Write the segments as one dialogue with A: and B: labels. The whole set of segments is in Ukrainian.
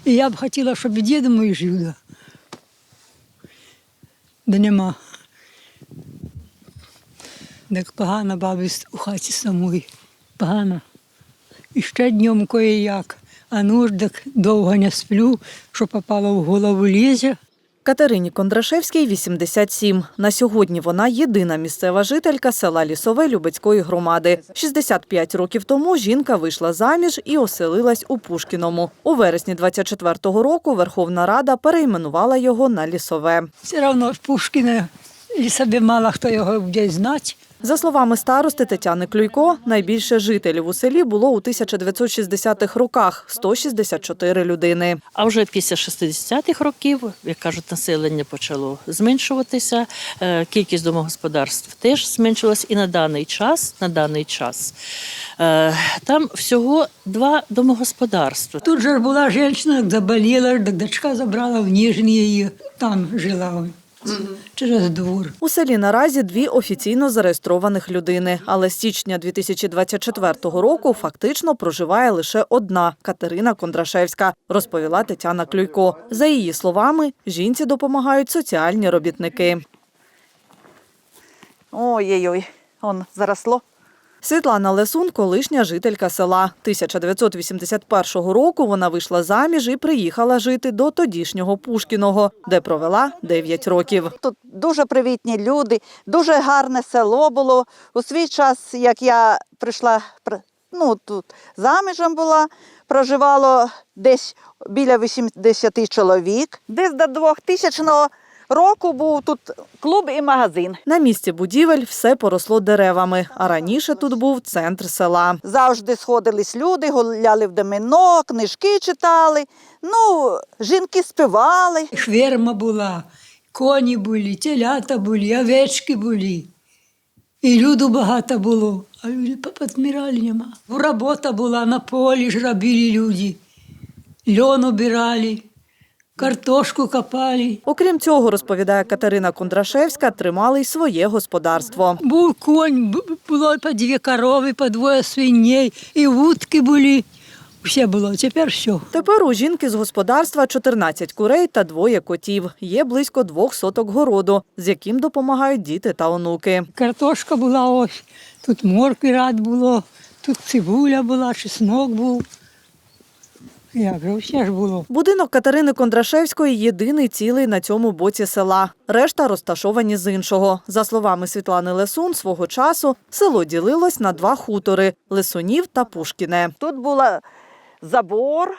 A: І я б хотіла, щоб і дід мій жив. Да нема. Так погано бабі у хаті самої. Погано. І ще днем кое-як. А ну ж так довго не сплю, що попало в голову лізе.
B: Катерині Кондрашевській 87. На сьогодні вона єдина місцева жителька села Лісове Любецької громади. 65 років тому жінка вийшла заміж і оселилась у Пушкіному. У вересні 24-го року Верховна Рада перейменувала його на Лісове.
A: Все одно ж Пушкіне, Лісове мало хто його буде знати.
B: За словами старости Тетяни Клюйко, найбільше жителів у селі було у 1960-х роках – 164 людини.
C: А вже після 60-х років, як кажуть, населення почало зменшуватися, кількість домогосподарств теж зменшилась. І на даний час там всього 2 домогосподарства.
A: Тут же була жінка, заболіла, так дочка забрала в Ніжній її, там жила через двор.
B: У селі наразі 2 офіційно зареєстрованих людини, але з січня 2024 року фактично проживає лише одна – Катерина Кондрашевська, розповіла Тетяна Клюйко. За її словами, жінці допомагають соціальні робітники.
D: Ой-ой-ой, он заросло.
B: Світлана Лесун – колишня жителька села. 1981 року вона вийшла заміж і приїхала жити до тодішнього Пушкіного, де провела 9 років.
D: Тут дуже привітні люди, дуже гарне село було. У свій час, як я прийшла, тут заміжем була, проживало десь біля 80 чоловік. Десь до 2000 року був тут клуб і магазин.
B: На місці будівель все поросло деревами, а раніше тут був центр села.
D: Завжди сходились люди, гуляли в домино, книжки читали, жінки співали.
A: Ферма була, коні були, телята були, овечки були. І люду багато було, а люди попідмирали нема. Робота була, на полі ж робили люди. Льон обирали, картошку копали.
B: Окрім цього, розповідає Катерина Кондрашевська, тримали й своє господарство.
A: Був конь, було по 2 корови, по 2 свиней, і вудки були. Все було, тепер все.
B: Тепер у жінки з господарства 14 курей та 2 котів. Є близько 2 соток городу, з яким допомагають діти та онуки.
A: Картошка була ось, тут моркви рад було, тут цибуля була, чеснок був. Як же, все ж було.
B: Будинок Катерини Кондрашевської єдиний цілий на цьому боці села. Решта розташовані з іншого. За словами Світлани Лесун, свого часу село ділилось на 2 хутори – Лесунів та Пушкіне.
D: Тут був забор,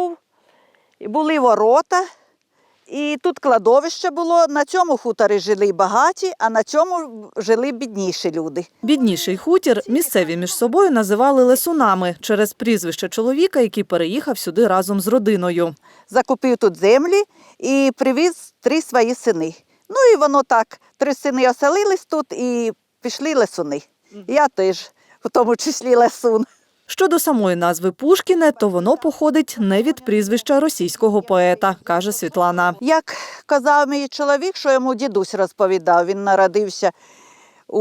D: були ворота, і тут кладовище було. На цьому хуторі жили багаті, а на цьому жили бідніші люди.
B: Бідніший хутір місцеві між собою називали Лесунами через прізвище чоловіка, який переїхав сюди разом з родиною.
D: Закупив тут землі і привіз 3 свої сини. І воно так, 3 сини оселились тут і пішли лесуни. Я теж, в тому числі лесун.
B: Щодо самої назви Пушкіне, то воно походить не від прізвища російського поета, каже Світлана.
D: Як казав мій чоловік, що йому дідусь розповідав, він народився у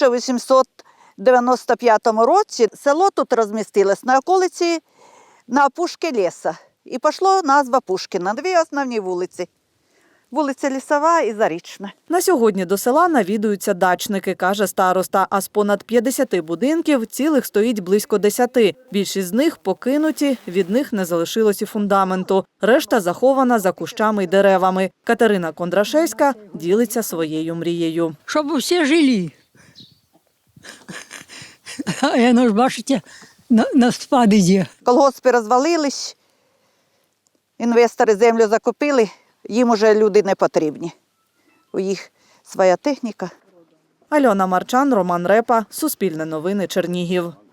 D: 1895 році. Село тут розмістилось на околиці, на опушці лісу. І пішло назва Пушкіна, 2 основні вулиці. Вулиця Лісова і Зарічна.
B: На сьогодні до села навідуються дачники, каже староста, а з понад 50 будинків цілих стоїть близько 10. Більшість з них покинуті, від них не залишилось і фундаменту. Решта захована за кущами й деревами. Катерина Кондрашевська ділиться своєю мрією.
A: Щоб всі жили. А воно ж, бачите, на спад іде.
D: Колгоспи розвалились, інвестори землю закупили. Їм уже люди не потрібні. У їх своя техніка.
B: Альона Марчан, Роман Репа, Суспільне новини, Чернігів.